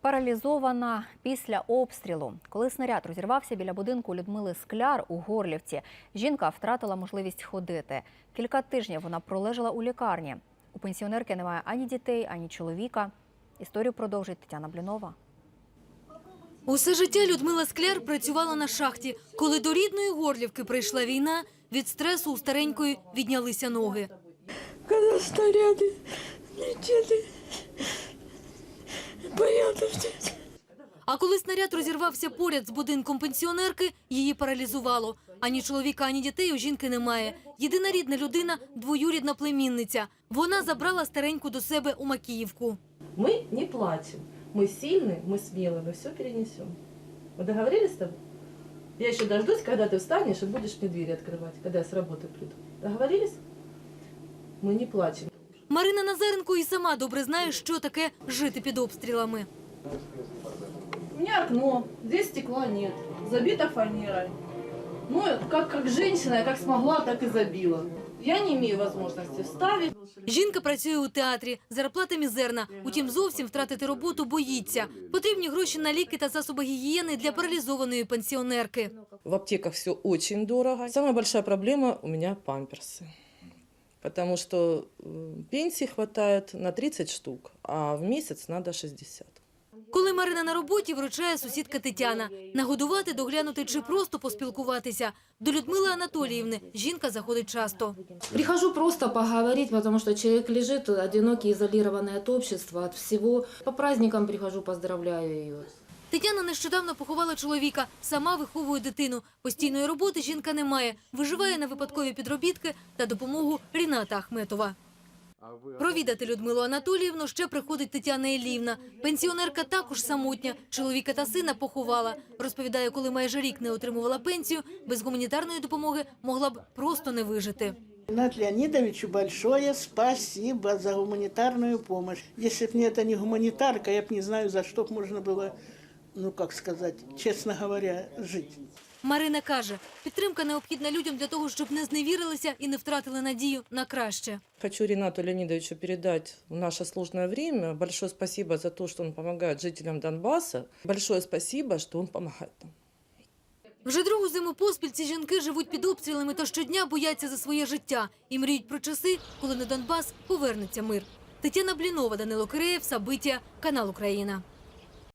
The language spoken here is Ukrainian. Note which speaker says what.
Speaker 1: Паралізована після обстрілу. Коли снаряд розірвався біля будинку Людмили Скляр у Горлівці, жінка втратила можливість ходити. Кілька тижнів вона пролежала у лікарні. У пенсіонерки немає ані дітей, ані чоловіка. Історію продовжить Тетяна Блінова.
Speaker 2: Усе життя Людмила Скляр працювала на шахті. Коли до рідної Горлівки прийшла війна, від стресу у старенької віднялися ноги.
Speaker 3: Коли снаряди летіли, боялася.
Speaker 2: А коли снаряд розірвався поряд з будинком пенсіонерки, її паралізувало. Ані чоловіка, ані дітей у жінки немає. Єдина рідна людина – двоюрідна племінниця. Вона забрала стареньку до себе у Макіївку.
Speaker 4: Мы не плачем. Мы сильные, мы смелые, мы все перенесем. Мы договорились с тобой? Я еще дождусь, когда ты встанешь и будешь мне двери открывать, когда я с работы приду. Договорились? Мы не плачем.
Speaker 2: Марина Назаренко і сама добре знає, що таке жити під обстрілами.
Speaker 4: У меня окно, здесь стекла нет, забито фанерой. Ну, как женщина, я как смогла, так и забила. Я не имею возможности вставить.
Speaker 2: Жінка працює у театрі, зарплата мізерна. Утім, зовсім втратити роботу боїться. Потрібні гроші на ліки та засоби гігієни для паралізованої пенсіонерки.
Speaker 4: В аптеках все очень дорого. Самая большая проблема у меня памперсы. Потому что пенсии хватает на 30 штук, а в месяц надо 60.
Speaker 2: Коли Марина на роботі, вручає сусідка Тетяна. Нагодувати, доглянути чи просто поспілкуватися. До Людмили Анатоліївни жінка заходить часто.
Speaker 5: Прихожу просто поговорить, потому что человек лежит одинокий, изолированный от общества, от всего. По праздникам прихожу, поздравляю ее.
Speaker 2: Тетяна нещодавно поховала чоловіка, сама виховує дитину. Постійної роботи жінка не має, виживає на випадкові підробітки та допомогу Ріната Ахметова. Провідати Людмилу Анатоліївну ще приходить Тетяна Іллівна. Пенсіонерка також самотня, чоловіка та сина поховала. Розповідає, коли майже рік не отримувала пенсію, без гуманітарної допомоги могла б просто не вижити.
Speaker 6: Ринату Леонидовичу большое спасибо за гуманитарную помощь. Если бы это не гуманитарка, я бы не знаю, за что можно было, ну как сказать, честно говоря, жить.
Speaker 2: Марина каже, підтримка необхідна людям для того, щоб не зневірилися і не втратили надію на краще.
Speaker 4: Хочу Ринату Леонидовичу передать в наше сложное время большое спасибо за то, что он помогает жителям Донбасса. Большое спасибо, что он помогает нам.
Speaker 2: Вже другу зиму поспіль ці жінки живуть під обстрілами та щодня бояться за своє життя і мріють про часи, коли на Донбас повернеться мир. Тетяна Блінова, Данило Киреєв, Сабиття, канал Україна.